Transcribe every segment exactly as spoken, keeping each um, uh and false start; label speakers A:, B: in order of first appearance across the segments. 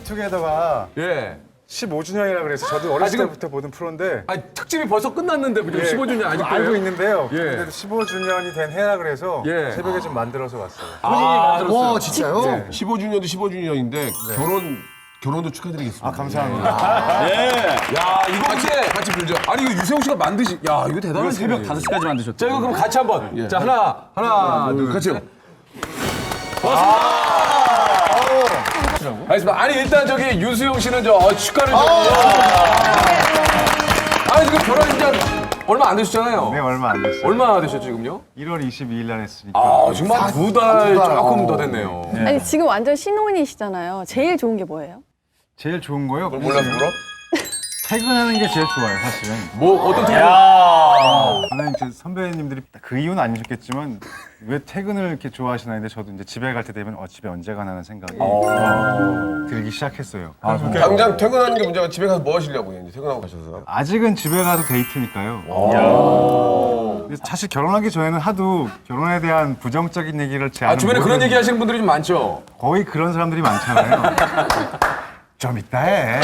A: 해피투게더가
B: 예.
A: 십오 주년이라 그래서 저도 어렸을
B: 지금-
A: 때부터 보던 프로인데
B: 아 특집이 벌써 끝났는데 지금
A: 예,
B: 십오 주년 아직
A: 알고 있는데요.
B: 예.
A: 근데 십오 주년이 된 해라 그래서
B: 예.
A: 새벽에 좀 만들어서 왔어요.
B: 아,
C: 와 진짜요?
A: 네.
D: 십오 주년도 십오 주년인데 결혼 결혼도 축하드리겠습니다.
A: 아 감사합니다.
B: 야 이거 이제
D: 같이 불죠.
B: 아니 이거 유세웅 씨가 만드시. 야 이거 대단한 새벽 다섯 시까지 만드셨죠. 자 이거 그럼 같이 한번. 자 하나 하나 둘
D: 같이요.
B: 알겠습니다. 아니 일단 저기 유수용 씨는 저 어, 축하를 좀. 아니 지금 결혼한 지 얼마 안 되셨잖아요.
A: 네 얼마 안 됐어요.
B: 얼마 되셨죠 지금요?
A: 일월 이십이일 날 했으니까.
B: 아 정말 두 달 조금 더 됐네요.
E: 아니 지금 완전 신혼이시잖아요. 제일 좋은 게 뭐예요?
A: 제일 좋은 거요?
D: 몰라서 물어?
A: 퇴근하는 게 제일 좋아요 사실은.
B: 뭐 어떤 팀?
A: 저는 이제 선배님들이 그 이유는 아니셨겠지만 왜 퇴근을 이렇게 좋아하시나 했는데 저도 이제 집에 갈 때 되면 어 집에 언제 가나는 생각이 들기 시작했어요.
D: 당장 퇴근하는 게 문제가 집에 가서 뭐 하시려고요? 이제 퇴근하고 가셔서.
A: 아직은 집에 가서 데이트니까요. 근데 사실 결혼하기 전에는 하도 결혼에 대한 부정적인 얘기를 제
B: 아
A: 아는
B: 주변에 그런
A: 모든-
B: 얘기 하시는 분들이 좀 많죠.
A: 거의 그런 사람들이 많잖아요. 좀 이따 해.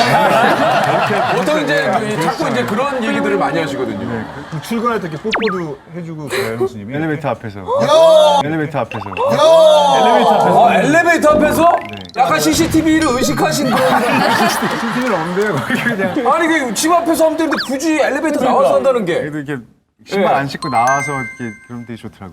B: 보통 이제 이 자꾸 이제 그런 얘기들을 많이 하시거든요.
F: 출근할 때 이렇게 뽀뽀도 해주고 그래요, 형수님이.
A: 엘리베이터 앞에서. 엘리베이터 앞에서.
B: 어, 엘리베이터 앞에서 약간 씨씨티비를 의식하신 그런.
A: 티비는 없는데요. 거기 그냥.
B: 아니 그 집 앞에서 하면 되는데 굳이 엘리베이터 나와서 한다는 게.
A: 그래도 이렇게 신발 안 신고 나와서 이렇게 그런 데 좋더라고요.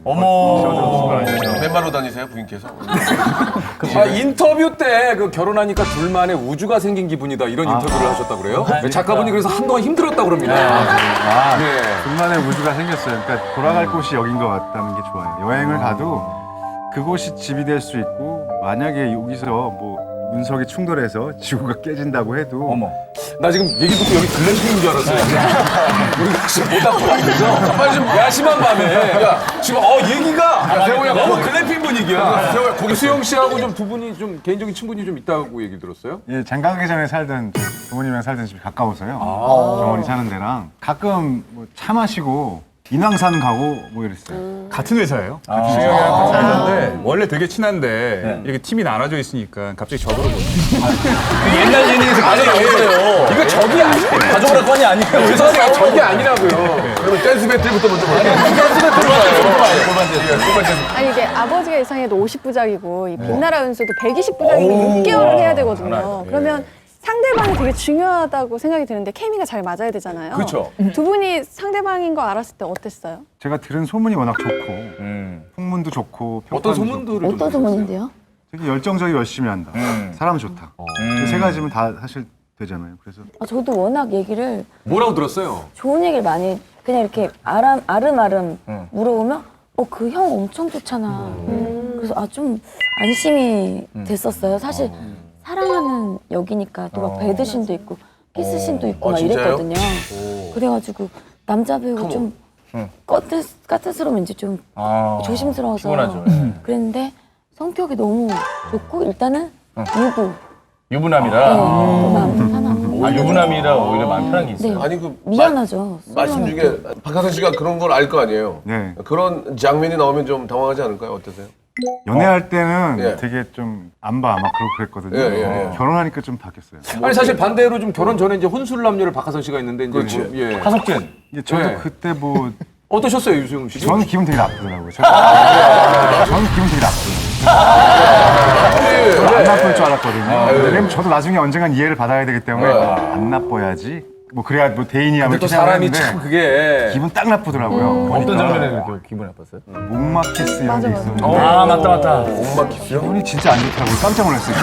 F: 어머.
D: 맨발로 다니세요, 부인께서?
B: 아, 인터뷰 때 그 결혼하니까 둘만의 우주가 생긴 기분이다 이런 인터뷰를 하셨다 그래요? 네, 작가분이 그래서 한동안 힘들었다 그럽니다.
A: 아,
B: 네.
A: 둘만의 우주가 생겼어요. 그러니까 돌아갈 곳이 여긴 것 같다는 게 좋아요. 여행을 가도 그곳이 집이 될 수 있고 만약에 여기서 뭐 운석이 충돌해서 지구가 깨진다고 해도
F: 어머.
B: 나 지금 얘기 듣고 여기 글램핑인 줄 알았어요. 우리가 지금 못 하고 있어서 빨리 좀 야심한 밤에 야, 지금 어 얘기가
D: 세호야,
B: 너무
D: 거기-
B: 글램핑 분위기야. 세호야 거기 수영 씨하고 좀 두 분이 좀 개인적인 친분이 좀 있다고 얘기 들었어요?
A: 예, 장가 가기 전에 살던 부모님이랑 살던 집이 가까워서요.
B: 아.
A: 정원이 사는 데랑 가끔 뭐 차 마시고 인왕산 가고 뭐 이랬어요.
F: 같은 회사예요. 같은 회사랑 같이 살는데 원래 되게 친한데 이렇게 팀이 나눠져 있으니까 갑자기 저더러 보는
C: 옛날 예능에서 가져온 거예요.
B: 이거 적이 아니에요.
C: 가져오라 건이 아니에요.
B: 죄송해요. 적이 아니라고요.
D: 그러면 댄스 배틀부터 먼저 볼게요.
E: 아니 이게 아버지가 이상해도 오십 부작이고 이 빛나라 운수도 백이십 부작이면 육 개월을 해야 되거든요. 그러면 상대방이 되게 중요하다고 생각이 드는데 케미가 잘 맞아야 되잖아요.
B: 그렇죠.
E: 두 분이 상대방인 거 알았을 때 어땠어요?
A: 제가 들은 소문이 워낙 좋고 풍문도 좋고
B: 어떤
A: 평판도
B: 소문들을 좀
E: 어떤 소문인데요?
A: 좋고 되게 열정적이고 열심히 한다. 사람 좋다. 그 세 가지면 다 사실 되잖아요. 그래서
G: 아, 저도 워낙 얘기를
B: 뭐라고 들었어요?
G: 좋은 얘기를 많이 그냥 이렇게 아람, 아름아름 물어보면 어, 그 형 엄청 좋잖아. 음. 그래서 아, 좀 안심이 됐었어요. 사실 사랑하는 여기니까 또 막 배드신도 있고 키스신도 있고
D: 어,
G: 막
D: 진짜요?
G: 이랬거든요. 그래가지고 남자 배우가 좀 까트, 까트스러우면 이제 좀
F: 아,
G: 조심스러워서
F: 피곤하죠.
G: 그랬는데 성격이 너무 좋고 일단은 유부.
F: 유부남이라.
G: 네, 마음 편하고.
F: 아, 유부남이라 오히려 마음 편한 게 있어요.
G: 네.
D: 아니 그
G: 미안하죠.
D: 마- 말씀 중에 박하선 씨가 그런 걸 알 거 아니에요.
A: 네.
D: 그런 장면이 나오면 좀 당황하지 않을까요? 어떠세요?
A: 연애할 때는
D: 예.
A: 되게 좀 안 봐, 막 그러고 그랬거든요.
D: 예, 예, 예.
A: 결혼하니까 좀 바뀌었어요.
B: 아니 사실 반대로 좀 결혼 전에 이제 혼술 남녀를 박하선 씨가 있는데 이제 뭐, 예.
F: 하석진.
A: 이게 저도
B: 네.
A: 그때 뭐
B: 어떠셨어요 유수용 씨?
A: 저는 기분 되게 나쁘더라고요. 저는, 저는 기분 되게 나쁘더라고요. 저는 안 나쁠 줄 알았거든요. 왜냐면 저도 나중에 언젠간 이해를 받아야 되기 때문에 안 나빠야지. 뭐 그래야 뭐 대인이야.
B: 근데 또
A: 이렇게
B: 사람이
A: 생각했는데
B: 참 그게
A: 기분 딱 나쁘더라고요.
F: 어떤 장면에 그렇게 기분이 나빴어요?
A: 목막 키스 이런 게 있었는데
F: 아, 맞다, 맞다.
D: 엄마 키스요?
A: 기분이 진짜 안 좋더라고요. 깜짝 놀랐어요.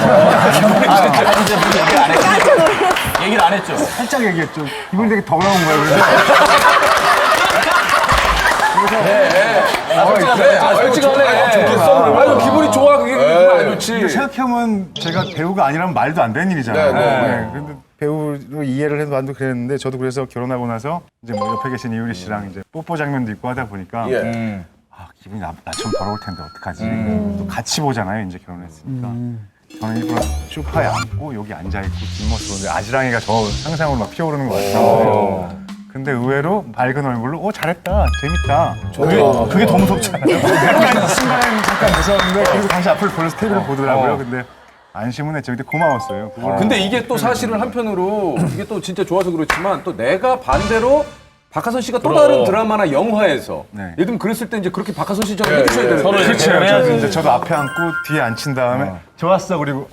F: 얘기를 안 했죠.
A: 살짝 얘기했죠. 기분이 되게 더러운 거예요. 그래서
B: 그래 아 솔직하네. 아유 기분이 좋아 그게 기분 안 좋지.
A: 근데 생각해보면 제가 배우가 아니라면 말도 안 되는 일이잖아요.
D: 네, 네.
A: 네. 근데 배우로 이해를 해도 나도 그랬는데 저도 그래서 결혼하고 나서 이제 뭐 옆에 계신 이유리 씨랑 이제 뽀뽀 장면도 있고 하다 보니까
D: 예.
A: 아 기분이 나, 나처럼 더러울 텐데 어떡하지. 또 같이 보잖아요 이제 결혼했으니까. 저는 일부러 소파에 앉고 여기 앉아있고 뒷모습으로 근데 아지랑이가 저 상상으로 막 피어오르는 것 같아요. 근데 의외로 밝은 얼굴로 오 잘했다 재밌다.
F: 그게, 그게 더 무섭잖아요.
A: 약간 순간에 잠깐 무서웠는데 그리고 다시 앞을 돌려서 테이블을 보더라고요. 근데 안심은 했죠. 근데 고마웠어요. 그걸
B: 근데 이게 또 사실은 한편으로 이게 또 진짜 좋아서 그렇지만 또 내가 반대로 박하선 씨가 또 다른 드라마나 영화에서
A: 네.
B: 예를 들면 그랬을 때 이제 그렇게 박하선 씨처럼 해주셔야 되는데
C: 서로
A: 그렇죠.
C: 이렇게 해야지.
A: 저도 이제 저도 앞에 앉고 뒤에 앉힌 다음에 좋았어 그리고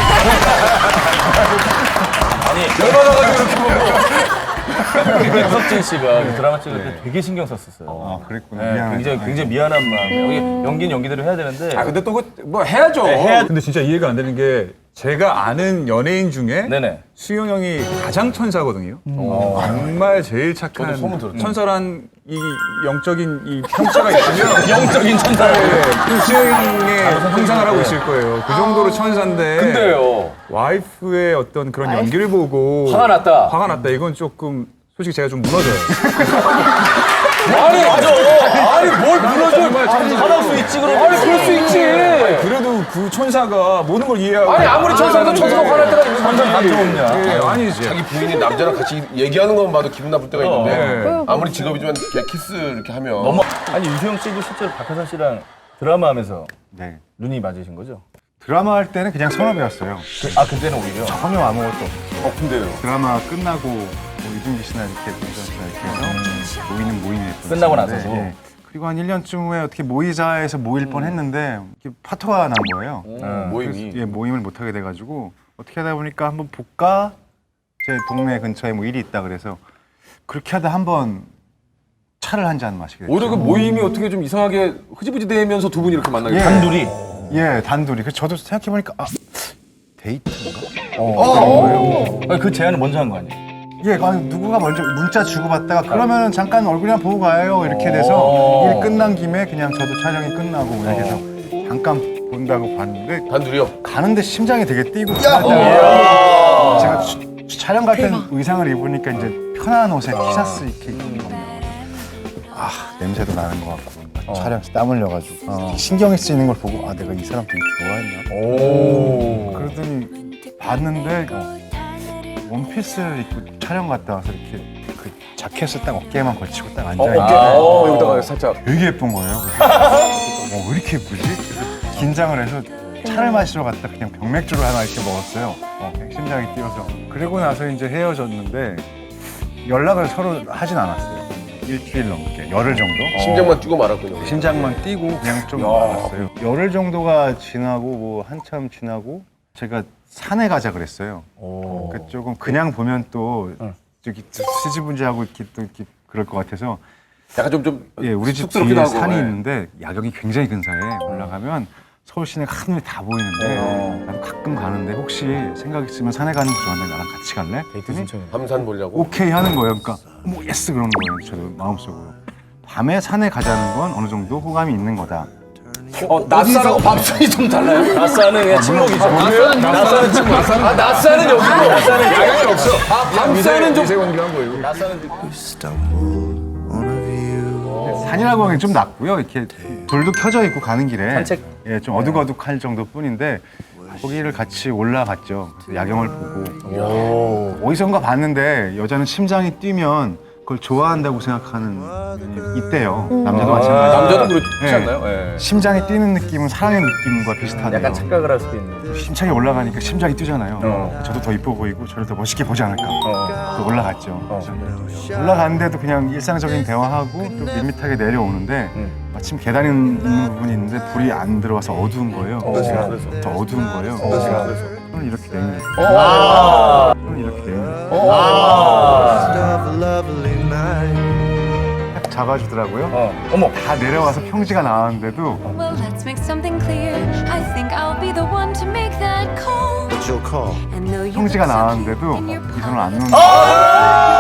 B: 열받아가지고 이렇게 보고
C: 유석진 씨가 그 드라마 찍을 때 되게 신경 썼었어요.
A: 아 그랬구나.
C: 네,
A: 미안하다.
C: 굉장히 굉장히 미안한 마음에 여기 연기는 연기대로 해야 되는데
B: 아 근데 또 뭐 해야죠.
F: 근데 진짜 이해가 안 되는 게 제가 아는 연예인 중에
C: 네네.
F: 수영 형이 가장 천사거든요. 정말 제일 착한
B: 저도 소문 들었죠.
F: 천사란 이 영적인 이 형체가 있으면
C: 영적인 천사.
F: 네, 그 수영 형의 형상을 하고 있을 거예요. 그 정도로 천사인데
B: 근데요.
F: 와이프의 어떤 그런 연기를 보고
B: 화가 났다.
F: 화가 났다. 이건 조금 솔직히 제가 좀 무너져요.
B: 아니 맞아. 아니 뭘 무너져.
C: 화날 수 있지 그러면.
B: 아니 그럴 수 있지.
F: 그래도 그 천사가 모든 걸 이해하고
B: 아니 아무리 천사도 천사가 화날 때가 있는
C: 천사 감정
B: 건지.
C: 없냐.
F: 예, 아니지.
D: 자기 부인이 남자랑 같이 얘기하는 것만 봐도 기분 나쁠 때가 있는데
F: 네.
D: 아무리 직업이지만 이렇게 키스 이렇게 하면
C: 너무 아니 유수영 씨도 실제로 박하선 씨랑 드라마 하면서
A: 네.
C: 눈이 맞으신 거죠?
A: 드라마 할 때는 그냥 선업이었어요.
C: 아 그때는 오히려.
A: 전혀 아무것도 없었어.
B: 어 근데요.
A: 드라마 끝나고 뭐 이준기 씨나 이렇게 문선 씨나 이렇게 해서 모이는 모임에
C: 끝나고
A: 있었는데,
C: 나서도?
A: 예. 그리고 한 일 년쯤 후에 어떻게 모이자해서 모일 뻔했는데 이렇게 파토가 난 거예요.
B: 음, 모임이.
A: 그래서, 예, 모임을 못 하게 돼가지고 어떻게 하다 보니까 한번 볼까? 제 동네 근처에 뭐 일이 있다 그래서 그렇게 하다 한번 차를 한 잔 마시게 됐죠.
B: 오히려 그 모임이 어떻게 좀 이상하게 흐지부지 되면서 두 분이 이렇게 만나게
A: 예.
B: 됐어요.
C: 단둘이.
A: 예, 단둘이. 그래서 저도 생각해 보니까 아 데이트인가?
C: 아니, 그 제안을 먼저 한 거 아니에요?
A: 예, 아니, 누구가 먼저 문자 주고받다가 그러면은 잠깐 얼굴이나 보고 가요 이렇게 돼서 일 끝난 김에 그냥 저도 촬영이 끝나고 이렇게 해서 잠깐 본다고 봤는데
D: 단둘이요.
A: 가는데 심장이 되게 뛰고 그러더라고요. 제가 주- 주- 촬영 갈 땐 의상을 입으니까 이제 편한 옷에 티셔츠 이렇게 입는 건가. 아 냄새도 나는 것 같고 촬영에서 땀 흘려가지고 신경이 쓰이는 걸 보고 아 내가 이 사람 되게 좋아했나? 그러더니 봤는데 원피스를 입고 촬영 갔다 와서 이렇게 그 자켓을 딱 어깨에만 걸치고 딱 앉아 있는데
B: 어, 여기다가 살짝.
A: 되게 예쁜 거예요. 그래서 어, 왜 이렇게 예쁘지? 그래서 긴장을 해서 차를 마시러 갔다 그냥 병맥주를 하나 이렇게 먹었어요. 어, 심장이 뛰어서. 그리고 나서 이제 헤어졌는데 연락을 서로 하진 않았어요. 일주일 넘게, 열흘 정도.
D: 심장만 뛰고 말았군요.
A: 심장만 뛰고 그냥 좀 알았어요. 열흘 정도가 지나고 뭐 한참 지나고 제가 산에 가자 그랬어요. 그 조금 그냥 보면 또 저기 수지분지하고 이렇게 또 이렇게 그럴 것 같아서
B: 약간 좀 좀.
A: 예 우리 집
B: 쑥스럽기도
A: 뒤에
B: 하고,
A: 산이
B: 예.
A: 있는데 야경이 굉장히 근사해. 올라가면 서울 시내가 한눈에 다 보이는데 나도 가끔 가는데 혹시 생각 있으면 산에 가는 거 좋아하는데 나랑 같이 갈래? 그랬더니
D: 밤산 보려고.
A: 오케이 하는 거예요. 그러니까 뭐 예스 그러는 거예요. 저도 마음속으로. 밤에 산에 가자는 건 어느 정도 호감이 있는 거다.
B: 어, 낯사라고 밥상이 좀 달라요?
C: 낯사는 그냥 침묵이죠.
B: 낯사는 낯사는 친구. 아 낯사는 여기고. 낯사는 야경이 없어. 아 밤사는 좀.
F: 미세먼지한 거예요.
A: 산이라고 하기엔 좀 낮고요. 이렇게 불도 켜져 있고 가는 길에
C: 산책?
A: 예, 좀 어둑어둑할 정도뿐인데 거기를 같이 올라갔죠. 그래서 야경을 보고 어디선가 봤는데 여자는 심장이 뛰면 그걸 좋아한다고 생각하는 분이 있대요. 남자도 마찬가지.
B: 남자도 그렇지
A: 예.
B: 않나요? 예.
A: 심장이 뛰는 느낌은 사랑의 느낌과 비슷하대요.
C: 약간 착각을 할 수도 있는.
A: 힘차게 올라가니까 심장이 뛰잖아요. 저도 더 이뻐 보이고 저를 더 멋있게 보지 않을까. 또 올라갔죠. 그래서 올라갔는데도 그냥 일상적인 대화하고 또 밋밋하게 내려오는데 마침 계단이 있는 부분이 있는데 불이 안 들어와서 어두운 거예요. 그래서 더 어두운 거예요. 그래서 손을 이렇게 내밀 손을 이렇게 내밀 딱 잡아주더라고요.
C: 어머.
A: 다 내려와서 평지가 나왔는데도
H: Well, let's make something clear. I think I'll be the one to make that call. What's your call? And though you
A: 평지가
H: look so
A: 나왔는데도
H: cute in your
A: 이 손을 안
H: palm,
A: 놓는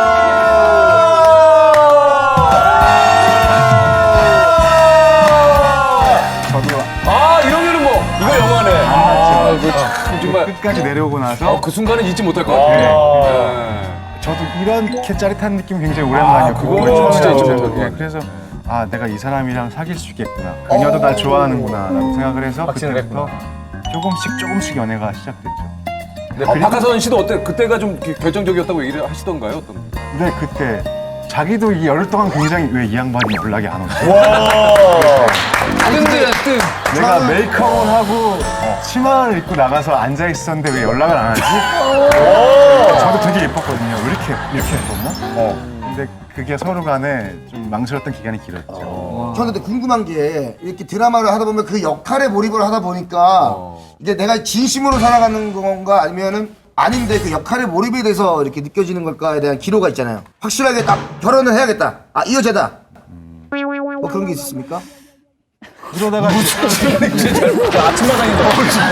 A: 저도
B: 아 이러면은 뭐 이거 영화네. 아 이거 참 정말.
A: 끝까지 내려오고 나서
B: 어, 그 순간은 잊지 못할 것 같아요. 예.
A: 저도 이렇게 짜릿한 느낌 굉장히 오랜만이었고
B: 그거는 진짜 잊지 못할 것
A: 예,
B: 같아요.
A: 그래서 아 내가 이 사람이랑 사귈 수 있겠구나 그녀도 날 좋아하는구나 라고 생각을 해서
C: 확신을
A: 그때부터 조금씩 조금씩 연애가 시작됐죠.
B: 네, 어, 박하선 씨도 어때? 그때가 좀 기- 결정적이었다고 얘기를 하시던가요? 어떤?
A: 근데 그때 자기도 이 열흘 동안 굉장히 왜 이 양반이 연락이 안 오지?
B: 뜬드야 뜬.
A: 내가 메이크업을 하고 치마를 입고 나가서 앉아 있었는데 왜 연락을 안 하지? 저도 되게 예뻤거든요. 왜 이렇게 이렇게 예뻤나? 근데 그게 서로 간에 좀 망설였던 기간이 길었죠.
I: 저는 근데 궁금한 게 이렇게 드라마를 하다 보면 그 역할에 몰입을 하다 보니까 이게 내가 진심으로 살아가는 건가 아니면은 아닌데 그 역할에 몰입이 돼서 이렇게 느껴지는 걸까에 대한 기로가 있잖아요. 확실하게 딱 결혼을 해야겠다. 아, 이 여자다. 뭐 그런 게 있었습니까?
A: 그러다가
C: 아침마당인데.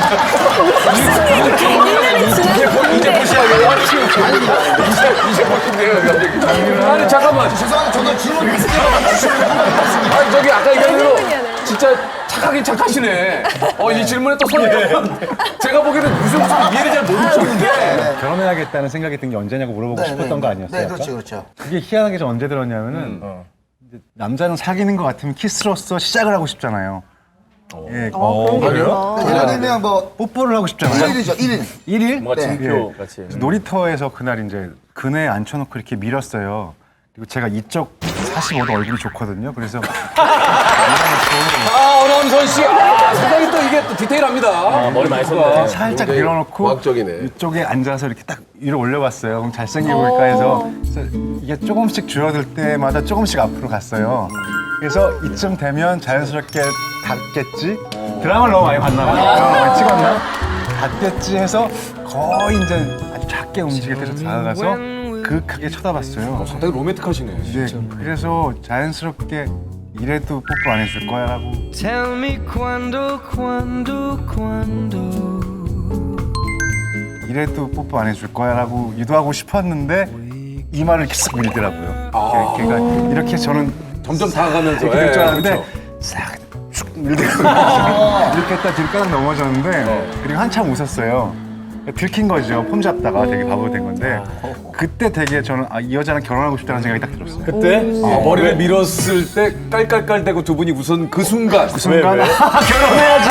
B: 이제 보시하게. 이제 이제 보신대요. 아니 잠깐만.
I: 죄송한데 저도 질문
B: 아니 저기 아까 얘기한 대로 진짜 착하긴 착하시네. 어 이 질문에 또 손이 제가 보기에는 무슨 무슨 이해를 잘 못 미쳤는데.
A: 결혼해야겠다는 생각이 든 게 언제냐고 물어보고 싶었던 거 아니었어요?
I: 네,
A: 아까?
I: 그렇죠, 그렇죠.
A: 그게 희한하게 좀 언제 들었냐면은 이제 남자는 사귀는 것 같으면 키스로서 시작을 하고 싶잖아요. 예,
E: 어, 그런 게 있구나.
I: 예를 들면 뭐
A: 뽀뽀를 하고 싶잖아요.
I: 일일이죠, 일일.
A: 일 일?
C: 뭔가
I: 네.
C: 징표 같이.
A: 그래서 놀이터에서 그날 이제 그네 앉혀놓고 이렇게 밀었어요. 그리고 제가 이쪽 사십오 도 얼굴이 좋거든요. 그래서
B: 아 어남선 씨. 아 상당히 또 이게 또 디테일합니다.
C: 아, 머리 많이 썼네.
A: 살짝
D: 굉장히
A: 밀어놓고
D: 과학적이네.
A: 이쪽에 앉아서 이렇게 딱 위로 올려봤어요. 그럼 잘생겨 보일까 해서 그래서 이게 조금씩 줄어들 때마다 조금씩 앞으로 갔어요. 그래서 이쯤 되면 자연스럽게 닿겠지? 드라마를 너무 많이 봤나 봐요. 많이 찍었나? 닿겠지 해서 거의 이제 아주 작게 움직일 때서 다가가서 그윽하게 쳐다봤어요.
B: 상당히 로맨틱하시네.
A: 네, 그래서 자연스럽게 이래도 뽀뽀 안 해줄 거야 라고
J: Tell me quando, quando, quando.
A: 이래도 뽀뽀 안 해줄 거야 라고 유도하고 싶었는데 이 말을 이렇게 쓱 밀더라고요.
B: 아.
A: 걔가 이렇게 저는
B: 점점 다가가면서.
A: 이렇게 될 줄
B: 예,
A: 알았는데
B: 그렇죠.
A: 싹쭉 밀더라고요. 이렇게 했다 뒤로 까닥 넘어졌는데 그리고 한참 웃었어요. 들킨 거죠. 폼 잡다가 되게 바보 된 건데 그때 되게 저는 아, 이 여자랑 결혼하고 싶다는 생각이 딱 들었어요.
C: 그때?
B: 아, 머리를 밀었을 때 깔깔깔대고 두 분이 웃은 그 순간. 그
A: 순간
C: 왜?
A: 아, 결혼해야지.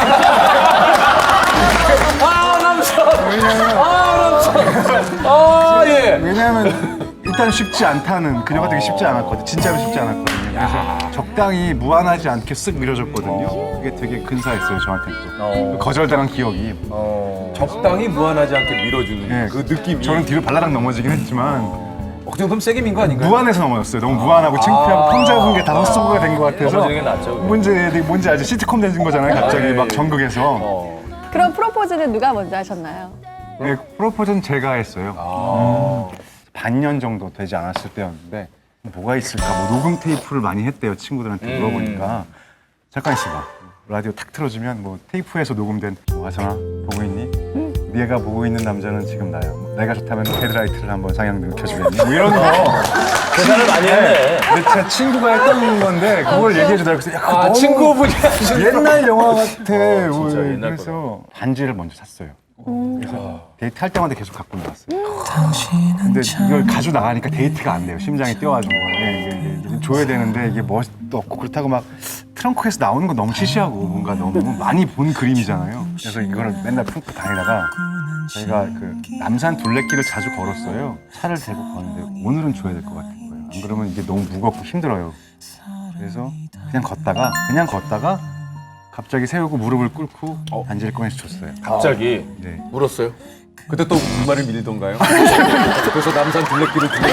B: 아 남선. 아 남선. 아 예.
A: 왜냐하면 일단 쉽지 않다는 그녀가 되게 쉽지 않았거든요. 진짜로 쉽지 않았거든요. 그래서 적당히 무한하지 않게 쓱 밀어줬거든요. 그게 되게 근사했어요 저한테 또. 거절당한 기억이.
B: 적당히 무한하지 않게 밀어주는
A: 예,
B: 그 느낌이.
A: 저는 뒤로 발라당 넘어지긴 했지만
B: 어, 그 정도면 세게 민 거 아닌가요?
A: 무한해서 넘어졌어요. 너무 무한하고 창피하고 폼 잡은 게 다 헛소리가 된 것 같아서.
C: 넘어지는 게 낫죠, 그게.
A: 뭔지 뭔지 알죠? 시트콤 된 거잖아요. 갑자기 막 전극에서.
E: 그럼 프로포즈는 누가 먼저 하셨나요?
A: 네, 프로포즈는 제가 했어요. 음, 반년 정도 되지 않았을 때였는데 뭐가 있을까? 뭐 녹음 테이프를 많이 했대요. 친구들한테 물어보니까 잠깐 있어봐. 라디오 탁 틀어주면 뭐 테이프에서 녹음된 뭐 하선아 보고 있니? 네가 보고 있는 남자는 지금 나야. 뭐 내가 좋다면 헤드라이트를 한번 상향 느껴주겠니? 뭐 이런 거.
C: 계산을 많이 했네.
A: 근데 제 친구가 했던 건데 그걸 얘기해주더라고요. 그래서 야, 그거
B: 아
A: 너무
B: 친구분이 하신
A: 옛날 영화 같아. 뭐
C: 진짜 옛날
A: 그래서 반지를 먼저 샀어요. 그래서 데이트할 때마다 계속 갖고 나왔어요. 근데 이걸 가지고 나가니까 데이트가 안 돼요. 심장이 뛰어가지고. 예, 이게, 이게 줘야 되는데 이게 멋도 없고 그렇다고 막 트렁크에서 나오는 건 너무 시시하고 뭔가 너무 많이 본 그림이잖아요. 그래서 이거를 맨날 품고 다니다가 저희가 그 남산 둘레길을 자주 걸었어요. 차를 대고 걷는데 오늘은 줘야 될 것 같은 거예요. 안 그러면 이게 너무 무겁고 힘들어요. 그래서 그냥 걷다가 그냥 걷다가 갑자기 세우고 무릎을 꿇고 반지를 꺼내서 줬어요.
C: 갑자기.
A: 네.
B: 물었어요? 그때 또 군말을 밀던가요? 그래서 남산 둘레길을 들려.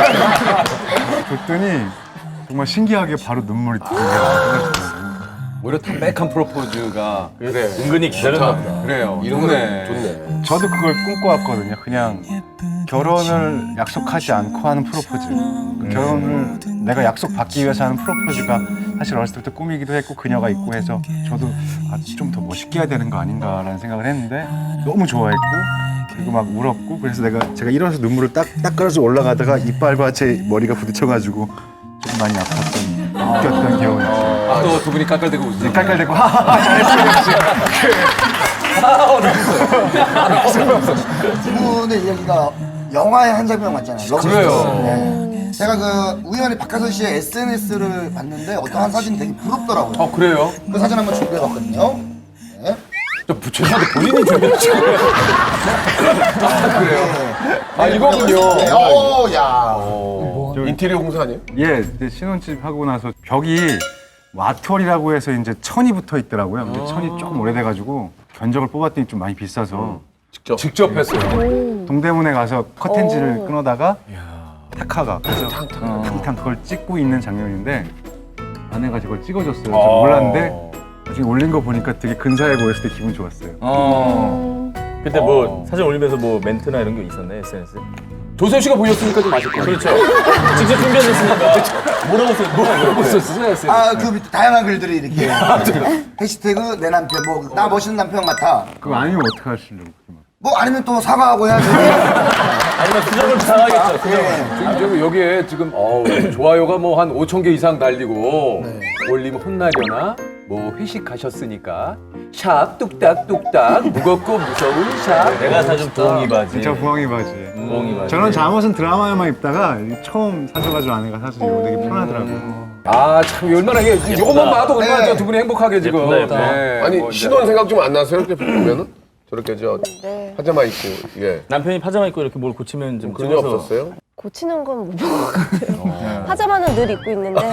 A: 줬더니 정말 신기하게 바로 눈물이 들어요.
B: 오히려 담백한 프로포즈가 그래.
C: 은근히 기다렸나 보다.
B: 그래요.
D: 이런
B: 좋네.
D: 거 좋네.
A: 저도 그걸 꿈꿔왔거든요. 그냥 결혼을 약속하지 않고 하는 프로포즈. 그 결혼을 내가 약속 받기 위해서 하는 프로포즈가 사실 어렸을 때부터 꿈이기도 했고 그녀가 있고 해서 저도 아, 좀 더 멋있게 해야 되는 거 아닌가라는 생각을 했는데 너무 좋아했고 그리고 막 울었고 그래서 내가 제가 일어나서 눈물을 딱 닦아서 올라가다가 이빨과 제 머리가 부딪혀가지고 좀 많이 아팠던 웃겼던 기억이 있어요.
B: 아, 또 두 분이 깔깔대고 웃으세요.
A: 깔깔대고 하하하 잘했어 역시.
I: 두 분의 이야기가 영화의 한 장면 같잖아요.
B: 그래요.
I: 네. 제가 그 우연히 박하선 씨의 에스엔에스를 봤는데 어떤 한 사진이 되게 부럽더라고요.
B: 어, 그래요?
I: 그 사진 한번 준비해봤거든요. 네.
B: 저 죄송한데 본인이 준비했죠. 아, 그래요? 아, 이거군요.
I: 네. 오, 야.
D: 인테리어 공사 아니에요?
A: 예, 이제 신혼집 하고 나서 벽이 뭐 아트월이라고 해서 이제 천이 붙어 있더라고요. 근데 천이 조금 오래돼가지고 견적을 뽑았더니 좀 많이 비싸서
D: 직접.
B: 직접 했어요.
A: 동대문에 가서 커튼지를 끊어다가 타카가 그래서 탕탕 그걸 찍고 있는 장면인데 아내가 저걸 찍어줬어요. 저 몰랐는데 나중에 올린 거 보니까 되게 근사해 보였을 때 기분 좋았어요.
C: 어. 그때 뭐 사진 올리면서 뭐 멘트나 이런 게 있었나요, 에스엔에스에?
B: 조세호 씨가 보셨으니까 좀 아실 거예요.
C: 그렇죠. 직접 준비하셨으니까 물어보세요.
B: 물어보셨어요.
I: 아, 그 밑에 다양한 글들이 이렇게. 해시태그 내 남편, 뭐, 나 멋있는 남편 같아.
A: 그거 아니면 어떻게 하시려고?
I: 뭐 아니면 또 사과하고 해야지.
C: 아니면 수정을 당하겠죠.
B: 지금 저기 여기에 지금 어우, 좋아요가 뭐 한 오천 개 이상 달리고 올리면 혼나려나? 뭐 회식 가셨으니까 샵 뚝딱 뚝딱 무겁고 무서운 샵.
C: 내가 사준 부엉이 바지.
A: 진짜 부엉이 바지.
C: 부엉이 바지.
A: 저는 잠옷은 드라마에만 입다가 처음 사줘가지고 아내가 사주고 되게 편하더라고요.
B: 아 참 얼마나 이게 이것만 봐도 얼마나 저 두 분이 행복하게 지금.
C: 예쁘다, 예뻐.
B: 네,
D: 아니
B: 뭐 이제.
D: 신혼 생각 좀 안 나세요? 이렇게 보면은 저렇게 저
E: 네.
D: 파자마 입고 예.
C: 남편이 파자마 입고 이렇게 뭘 고치면 좀
D: 그런 적
C: 찍어서.
D: 없었어요?
E: 고치는 건 못 본 것 같아요. 파자마는 늘 입고 있는데.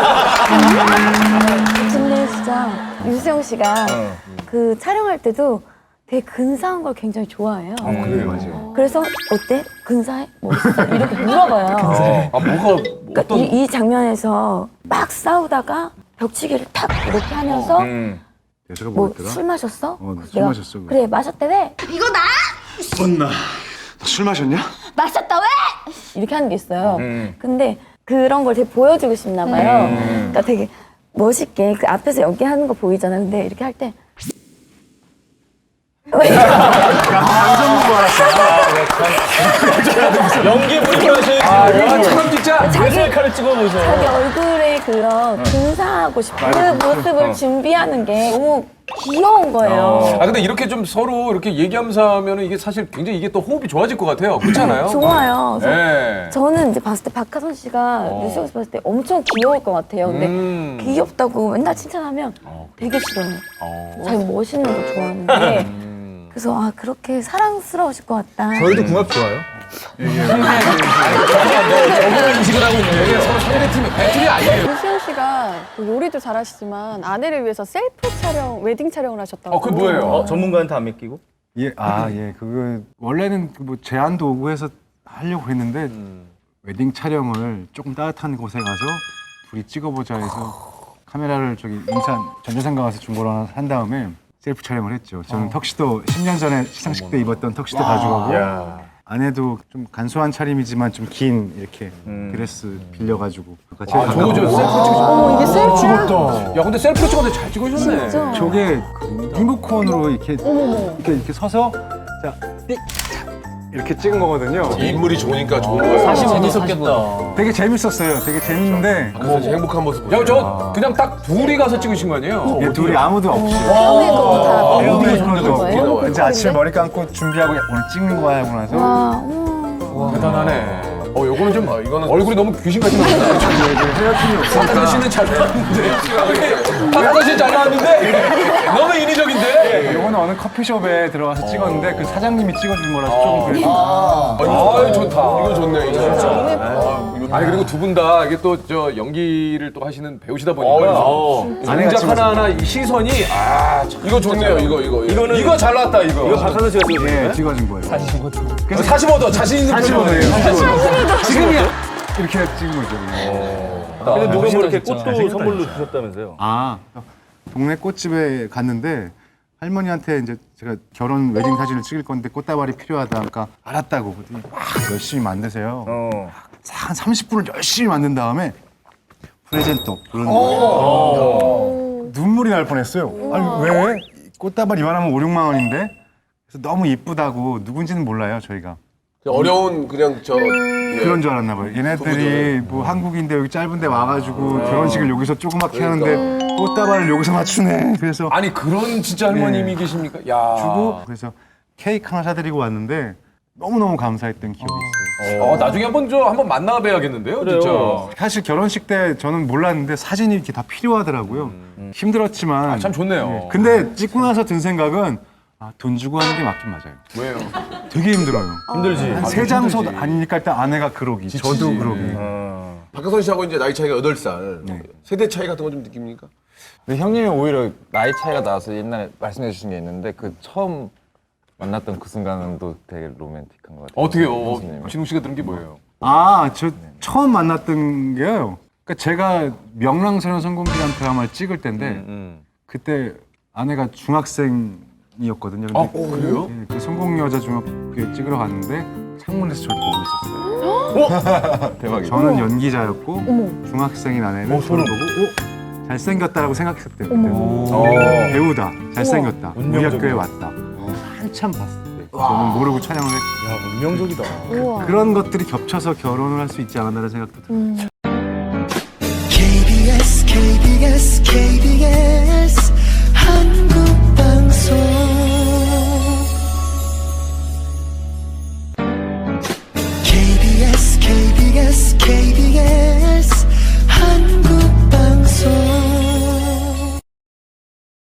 G: 근데 진짜 유수영 씨가 그 촬영할 때도 되게 근사한 걸 굉장히 좋아해요.
A: 그래요, 맞아요.
G: 그래서 어때? 근사해? 뭐 있어? 이렇게 물어봐요.
B: 아 뭐가
G: 그러니까
B: 어떤
G: 이, 이 장면에서 막 싸우다가 벽치기를 탁 이렇게 하면서
B: 음.
A: 여자가
G: 뭐
A: 뭐였더라?
G: 술 마셨어?
A: 어,
G: 그래서
A: 술
G: 내가
A: 마셨어, 그거.
G: 그래 마셨대 왜?
A: 혼나. 술 마셨냐?
G: 마셨다 왜? 이렇게 하는 게 있어요. 근데 그런 걸 되게 보여주고 싶나 봐요. 그러니까 되게 멋있게 그 앞에서 연기하는 거 보이잖아요. 근데 이렇게 할 때
C: 연기 부리고 하시는
B: 아, 야, 참 진짜.
G: 자기,
C: 칼을 찍어보셔.
G: 자기 얼굴에 그런 근사하고 싶은 그 모습을 준비하는 게 너무 귀여운 거예요.
B: 아 근데 이렇게 좀 서로 이렇게 얘기하면서 하면은 이게 사실 굉장히 이게 또 호흡이 좋아질 것 같아요. 그렇잖아요.
G: 좋아요. 그래서
B: 네.
G: 저는 이제 봤을 때 박하선 씨가 유수영 씨 봤을 때 엄청 귀여울 것 같아요. 근데
B: 음.
G: 귀엽다고 맨날 칭찬하면 되게 싫어요. 자기 멋있는 거 좋아하는데 그래서 아 그렇게 사랑스러우실 것 같다.
F: 저희도 궁합 좋아요.
B: 적응을 인식을 하고 있는 게 서로 상대팀의 배틀이 아니에요.
E: 유수영 씨가 그 요리도 잘하시지만 아내를 위해서 셀프 촬영, 웨딩 촬영을 하셨다고.
B: 어, 그게 뭐예요?
C: 어, 전문가한테 안 맡기고?
A: 예, 아, 예, 그거 원래는 그뭐 제안도 오고 해서 하려고 했는데 웨딩 촬영을 조금 따뜻한 곳에 가서 둘이 찍어보자 해서 카메라를 저기 인천 전자상가 가서 중고로 하나 산 다음에 셀프 촬영을 했죠. 저는 턱시도 십 년 전에 시상식 때 입었던 턱시도 가져가고 아내도 좀 간소한 차림이지만 좀 긴 이렇게 드레스 빌려가지고 같이
B: 아, 저거 저 셀프 찍으셨
E: 어머, 이게 셀프야?
B: 야, 근데 셀프로 찍었는데 잘 찍으셨네.
E: 진짜.
A: 저게 리모컨으로 이렇게 이렇게 이렇게 서서 자 띡 이렇게 찍은 거거든요.
D: 인물이 좋으니까 좋은 거예요.
C: 사실 재밌었겠다.
A: 되게 재밌었어요. 되게 재밌는데
D: 그래서 행복한 모습
B: 야, 저 그냥 딱 둘이 가서 찍으신 거 아니에요?
A: 얘 둘이 아무도 없이
E: 형의 것도 다
A: 애우도
E: 미리
A: 그런 거
E: 있는 거예요?
A: 없고 이제 아침에 머리 감고 준비하고 오늘 찍는 거야 하고 나서
G: 와, 어머.
B: 대단하네. 어, 요거는 좀
D: 아, 이거는
B: 얼굴이 너무 귀신같이 나온다. 박하선 씨는 잘 나왔는데. 박하선 씨는 잘 나왔는데 너무 인위적인데.
A: 요거는 어느 커피숍에 들어가서 찍었는데 그 사장님이 찍어준 거라서 조금 그래도
B: 아, 좋다.
D: 이거 좋네 이거.
B: 아니 그리고 두 분 다 이게 또 저 연기를 또 하시는 배우시다 보니까
A: 아내가
B: 동작
A: 찍어준
B: 하나하나 이 시선이 아, 참
D: 이거 좋네요 이거 이거.
C: 이거는
B: 이거 잘 나왔다 이거.
C: 이거 박하선 씨가 찍으신
A: 예,
C: 거예요?
A: 찍어준 거예요.
B: 그래서 사십오 도 자신 있는 표정이에요.
A: 지금이야 이렇게 찍은 거죠.
C: 근데 누가 뭐 이렇게 꽃도 선물로 주셨다면서요?
A: 아 동네 꽃집에 갔는데 할머니한테 이제 제가 결혼 웨딩 사진을 찍을 건데 꽃다발이 필요하다. 그러니까 알았다고 그랬더니 막 열심히 만드세요.
C: 어.
A: 한 삼십 분을 열심히 만든 다음에 프레젠토 그런 거 눈물이 날 뻔했어요. 아니 왜? 꽃다발 이만하면 오, 육만 원인데 그래서 너무 이쁘다고 누군지는 몰라요 저희가.
D: 어려운 그냥 저 예.
A: 그런 줄 알았나 봐요. 얘네들이 뭐 한국인데 여기 짧은데 와가지고 결혼식을 여기서 조그맣게 하는데 꽃다발을 여기서 맞추네. 그래서
B: 아니 그런 진짜 할머님이
A: 네.
B: 계십니까? 야.
A: 주고 그래서 케이크 하나 사드리고 왔는데 너무너무 감사했던 기억이 있어요.
B: 어, 나중에 한번 저 한번 만나 뵈야겠는데요,
C: 그래요.
B: 진짜.
A: 사실 결혼식 때 저는 몰랐는데 사진이 이렇게 다 필요하더라고요. 힘들었지만
B: 아, 참 좋네요.
A: 네. 근데 찍고 나서 든 생각은 아, 돈 주고 하는 게 맞긴 맞아요.
B: 왜요?
A: 되게 힘들어요.
C: 힘들지.
A: 한 세 장소 아니니까 일단 아내가 그러기, 저도 그러기.
C: 어.
D: 박하선 씨하고 이제 나이 차이가 여덟 살.
A: 네.
D: 세대 차이 같은 거 좀 느낍니까?
K: 근데 형님이 오히려 나이 차이가 나서 옛날에 말씀해 주신 게 있는데 그 처음 만났던 그 순간은 또 되게 로맨틱한 것 같아요.
B: 어떻게요?
K: 형수님.
B: 진웅 씨가 들은 게 뭐예요?
A: 아, 저 처음 만났던 게요. 그러니까 제가 명랑소년 성공기란 드라마를 찍을 때인데
B: 음.
A: 그때 아내가 중학생이었거든요. 근데
B: 아, 그래요?
A: 예, 그 성공여자 중학교 찍으러 갔는데 창문에서 저를 보고 있었어요.
K: 대박이다.
A: 저는 연기자였고 중학생인 아내는 저를 보고 오, 잘생겼다라고 생각했대요. 그때. 배우다, 잘생겼다, 우리 학교에 왔다. 한참 봤을 때 저는 모르고 촬영을 했고
C: 야, 운명적이다.
E: 우와.
A: 그런 것들이 겹쳐서 결혼을 할 수 있지 않았나라는 생각도 들어요.
J: 케이비에스 케이비에스 케이비에스